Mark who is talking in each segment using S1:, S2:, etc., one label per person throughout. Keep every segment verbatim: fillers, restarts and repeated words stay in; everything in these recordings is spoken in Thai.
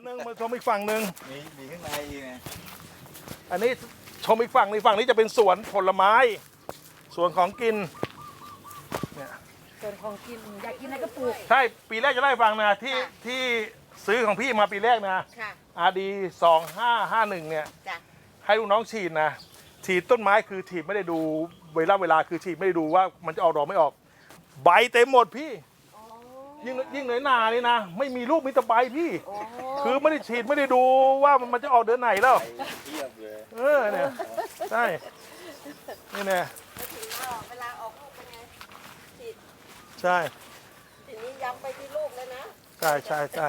S1: หนึ่งมาชมอีกฝั่งหนึ่ง
S2: มีมีข้างในอีกไง
S1: อันนี้ชมอีกฝั่งในฝั่งนี้จะเป็นสวนผลไม้สวนของกินเนี่ย
S3: ส่วนของกินอยากกินอะไรก็ปลูก
S1: ใช่ปีแรกจะได้ฟังนะที่ที่ซื้อของพี่มาปีแรกนะ
S3: ค่ะ
S1: อาร์ดีสองห้าห้าหนึ่งเนี่ย
S3: จ้ะ
S1: ให้ลูกน้องฉีดนะฉีดต้นไม้คือฉีดไม่ได้ดูเวลาเวลาคือฉีดไม่ได้ดูว่ามันจะออกดอกไม่ออก ใบเต็มหมดพี่ยิ่งยิ่งหน่อยหนานี่นะไม่มีลูกมีแต่ใบพี่ คือไม่ได้ฉีดไม่ได้ดูว่ามันจะออกเดือนไหนแล้ว
S2: ไปเทียบเลย
S1: เออเนี่ยใช่นี่เนี่ย
S3: เวลาออกลูกเป็นไงฉีด
S1: ใช่
S3: ทีนี้ย้ำไปที่ลูกเลยนะ
S1: ใช่ใช่ใช่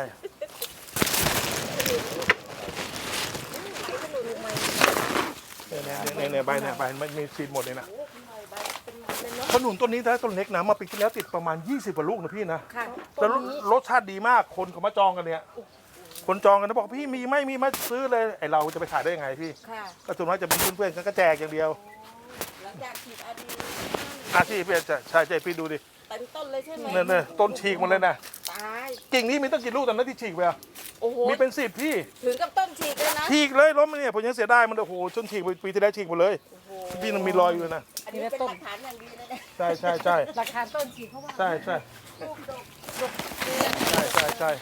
S3: ขนุนใหม่
S1: เนี่ยเนี่ยเนี่ยใบเนี่ยใบมันมีฉีดหมดเลยนะ
S3: โอ้ใหม่ใบเป็นมันเลยเนาะ
S1: ขนุนต้นนี้นะต้นเล็กนะมาปีที่แล้วติดประมาณยี่สิบกว่าลูกนะพี่นะ
S3: ค่ะ
S1: แต่รสรสชาติดีมากคนเขามาจองกันเนี่ย คนจองกันนะบอกพี่มีไหม่มีไหมาซื้อเลยไอเราจะไปขายได้ยังไงพี่
S3: ค่ะ
S1: ก็ส่วนมากจะเป็นเพื่อนๆกันก็แจกอย่างเดียว
S3: หลังจากฉีดอาดี
S1: อาชีพพี่จะใช่ใช่พี่ดูดิ
S3: เต็มต้นเลยใช่ไหม
S1: เนี่ยเนี่ยต้นฉีกหมดเลยนะ
S3: ตาย
S1: กิ่งนี้มีตั้งกี่ลูกตอนนั้นที่ฉีกไปอะ
S3: โอ้โห
S1: มีเป็นสิบพี่
S3: ถึงกับต้นฉีกเลยนะ
S1: ฉีกเลยล้มเนี่ยผมยังเสียดายมันโอ้โหจนฉีกไปปีที่แล้วฉีกหมดเลย
S3: โอ้โห
S1: พี่ยังมีรอยอยู่นะ
S3: อันนี้เป็นหลักฐานอย่างดีนะเนี่ย
S1: ใช่ใช่ใช่
S3: หลักฐานต้นฉีกเพราะว่า
S1: ใช่ใช่
S3: ลูกดกดก
S1: ใช่ใช่ใช่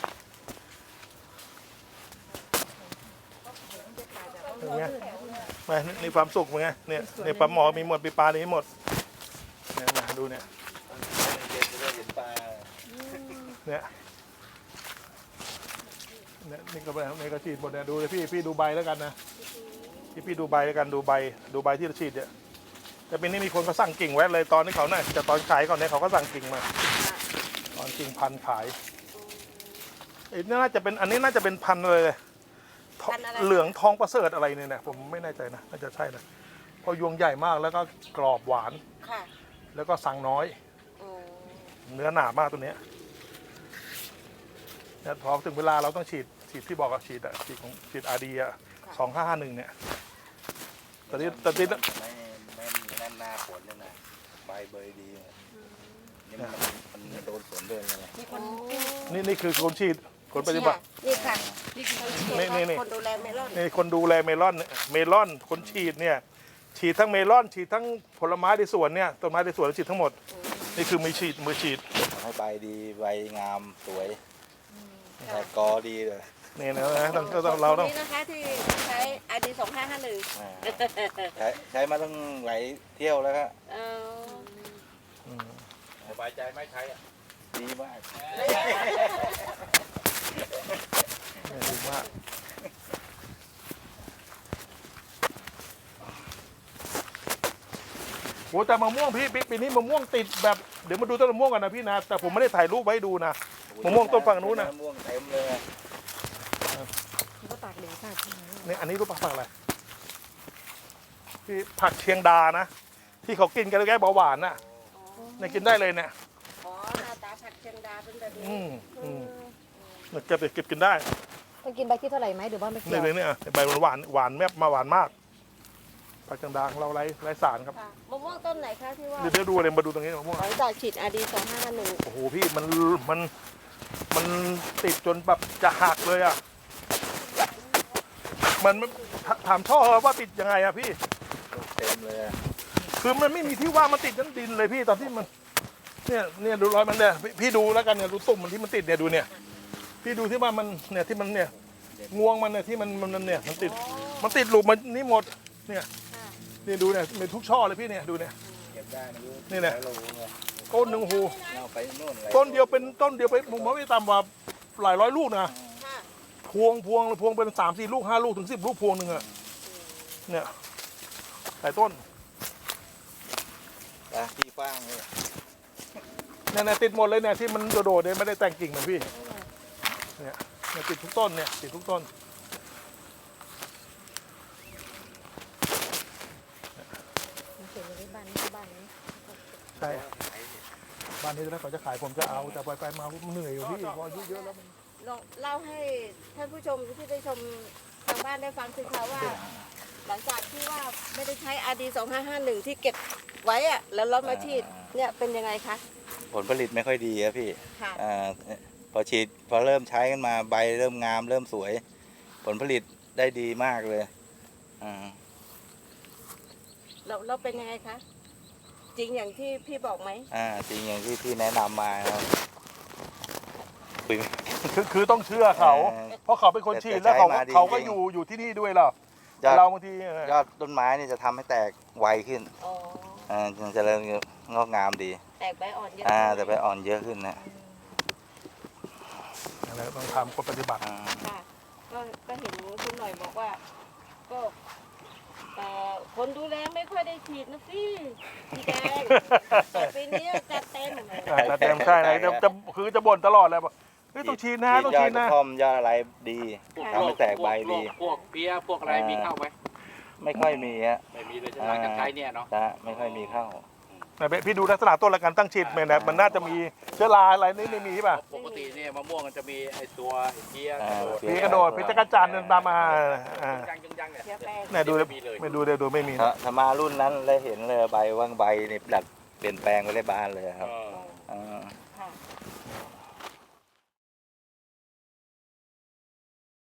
S1: อย่างเงี้ยไปนี่ความสุขเป็นไงเนี่ยเนี่ยปลาหมอมีหมดปีปลานี้หมดเนี่ยมาดูเนี่ย
S2: เย็นจะได้เห็นปลา
S1: เนี่ยเนี่ยนี่ก็แบบนี่ก็ฉีดหมดเนี่ยดูเลยพี่พี่ดูใบแล้วกันนะพี่พี่ดูใบแล้วกันดูใบดูใบที่เราฉีดเนี่ยแต่ปีนี้มีคนเขาสั่งกิ่งไว้เลยตอนที่เขาเนี่ยจะตอนขายก่อนเนี่ยเขาก็สั่งกิ่งมาตอนกิ่งพันธุ์ขายไอ้นี่น่าจะเป็นอันนี้น่าจะเป็นพันธุ์เลยทองเหลืองทองประเสริฐอะไรเนี่ยนะผมไม่แน่ใจนะน่าจะใช่นะเพราะยวงใหญ่มากแล้วก็กรอบหวาน
S3: ค่ะ
S1: แล้วก็สั่งน้อย
S3: โอ้
S1: เนื้อหนามากตัวเนี้ยเนี่ยพอถึงเวลาเราต้องฉีดฉีดที่บอกอะฉีดอะฉีดของฉีดอาร์ดีอะสองห้าห้าหนึ่งเนี่ยตอนนี้ตอนนี้
S2: ไม่ไม่ไม่แน่นหน้าฝนเลยนะใบเบยดีเลยนี่มันมันโดนฝนเดินไง
S3: มีคน
S1: นี่นี่คือคนฉีดคนปฏิบัติ
S3: นี่ค่ะนี่คือ
S1: นี่นี่นี่
S3: คนดูแลเมลอน
S1: นี่คนดูแลเมลอนเนี่ยเมลอนคนฉีดเนี่ยฉีดทั้งเมลอนฉีดทั้งผลไม้ในสวนเนี่ยต้นไม้ในสวนฉีดทั้งหมดนี่คือมือฉีดมือฉีด
S2: ทำให้ใบดีใบงามสวยแต่กอดีเลย
S1: นี่นะนะต้องต้องเราต้อง
S3: นี่นะคะที่ใช้ไอดีสองห้าห้าหนึ่ง
S2: อ่าใช้ใช้มาตั้งหลายเที่ยวแล้วครับ
S3: เออ
S1: อืม
S2: สบายใจไม่ใช้อ่ะดีมาก
S1: เนี่ยดีมากโหแต่มะม่วงพี่ปีนี้มะม่วงติดแบบเดี๋ยวมาดูต้นมะม่วงกันนะพี่นะแต่ผมไม่ได้ถ่ายรูปไว้ให้ดูนะมะม่วงต้นฝั่งนู้นนะ
S2: มะม่วงเต็มเลย
S3: ก็ตากเหลวตากใช่ไหม
S1: นี่อันนี้รูปผักอะไรที่ผักเชียงดานะ ที่เขากินกันแล้วแก้เบาหวานน่ะเนี่ยกินได้เลยเนี่ย
S3: อ๋อหน้าตาผักเชียงดาเป็นแบบนี้
S1: อืมอืมเนี่ยเก็บเก็บกินได้
S4: ต้องกินใบที่เท่าไหร่ไหมหรือว่าไม่เกี่
S1: นี่
S4: ยว
S1: เลยเนี่ยใบหวานหวานแมบมาหวานมากผักเชียงดาของเราไร้ไร้สารครับ
S3: ค่ะมะม่วงต้นไหนคะที่ว่า
S1: เดี๋ยวเดี๋ยวดูเลยมาดูตรงนี้มะม่วง
S3: หลังจากฉีดอาดีสองห้าห้าหนึ่ง
S1: โอ้โหพี่มันมันมันติดจนแบบจะหักเลยอ่ะมันถถามช่อว่าติดยังไงอะพี่
S2: เต็มเลยอะ
S1: คือมันไม่มีที่ว่างมันติดทั้งดินเลยพี่ตอนที่มันเนี่ยเนี่ยดูรอยมันเนี่ยพี่พี่ดูแล้วกันเนี่ยดูตุ่มมันที่มันติดเนี่ยดูเนี่ยพี่ดูที่ว่ามันเนี่ยที่มันเนี่ยงวงมันเนี่ยที่มันมันเนี่ยมันติดมันติดหลุมมันนี่หมดเนี่ยนี่ดูเนี่ยมีทุกช่อเลยพี่เนี่ยดูเนี่ย
S2: เก็บได้ไม่รู้
S1: นี่แหละ
S2: ใช้โลเลย
S1: ต้นหนึ่งหู
S2: เอาไปโน่นอะไร
S1: ต้นเดียวเป็นต้นเดียวไปผมว่าไม่ต่ำกว่าหลายร้อยลูกนะ
S3: ค่ะ
S1: พวงพวงพวงเป็นสามสี่ลูกห้าลูกถึงสิบลูกพวงหนึ่งอะเนี่ยหลายต้น
S2: อ่ะที่ฟ้างเลย
S1: เนี่ยเนี่ยติดหมดเลยเนี่ยที่มันโดดๆเนี่ยไม่ได้แต่งกิ่งเหมือนพี่เนี่ยเนี่ยติดทุกต้นเนี่ยติดทุกต้น
S4: มันเขียนอยู่ในบ้านนี้บ้านนี้
S1: ใช่บ้านนี้แล้วเขาจะขายผมจะเอาแต่ไปไปมาผมเหนื่อยอยู่พี่พออายุเยอะแล้วมัน
S3: ลองเล่าให้ท่านผู้ชมที่ได้ชมทางบ้านได้ฟังสิคะว่า หลังจากที่ว่าไม่ได้ใช้อาดีสองห้าห้าหนึ่งที่เก็บไว้อะแล้วเรามาฉีดเนี่ยเป็นยังไงคะ
S2: ผลผลิตไม่ค่อยดีอะพี่
S3: ค่ะ
S2: อ่าพอฉีดพอเริ่มใช้กันมาใบเริ่มงามเริ่มสวย ผลผลิตได้ดีมากเลยอ่า
S3: เราเราเป็นยังไงคะ จริงอย่างที่พี่บอกไหม
S2: อ่าจริงอย่างที่พี่แนะนำมาครับคุย
S1: คือคือต้องเชื่อเขา
S2: เออ
S1: เพราะเขาเป็นคนฉีด
S2: แต่
S1: แล้วเขา
S2: ใช้มาดี
S1: เขาก็
S2: จริง
S1: อยู่อยู่ที่นี่ด้วยเหรอย
S2: อด
S1: เราบางทีเออย
S2: อดต้นไม้นี่จะทำให้แตกไวขึ้น
S3: อ๋อ
S2: อ่าจะเจริญงอกงามดี
S3: แตกใบอ่อนเยอะ
S2: อ่า
S3: ไหม
S2: แต่ใบอ่อนเยอะขึ้นนะ
S1: อะไรต้องทำคนปฏิบัติ
S2: อ่า
S3: ค่ะ ก็ก็เห็นคุณหน่อยบอกว่า ก็เอ่อคนดูแลไม่ค่อยได้ฉีดนะพี่พี่แดงแต่ปีนี้จัดเต็ม
S1: อ่าแต่เต็มใช่ไหนจะจะคือจะบ่นตลอดเลยบอกเฮ้ยต้องฉีดนะต้อง
S2: ยอ
S1: ฉี
S2: ด
S1: ด
S2: กระ
S1: นะ
S2: ท่อมยอดอะไรดี
S3: ค่ะ
S2: ทำให้แตกใบดี
S5: พวกเพี้ยพวกอะไรมีเข้าไหม
S2: ไม่ค่อยมีฮะ
S5: ไม่มีเลยใช่ไหมกันใช้เนี่ยเนาะ
S2: นะไม่ค่อยมีเข้า
S1: ไหนพี่ดูลักษณะต้นและการตั้งฉีดมันนะมันน่าจะมีเชื้อราอะไรนี่ไม่มีป่ะ
S5: ปกติเนี่ยมะม่วงมันจะมีไอ้ตัวไอ้เพี้ย
S2: อ่า
S5: กระโดด
S1: พีกระโดดพิจกระจันทร์ตามมาอ่า
S5: ยังยังยังเนี่ย
S3: เชื้อแป้ง
S1: เนี่ยดูเลยไม่ดูเลยดูไม่มี
S2: ถ้าถ้ามารุ่นนั้นเลยเห็นเลยใบว่างใบนี่ดัดเปลี่ยนแปลงไปเลยบานเลยครับ
S5: เออ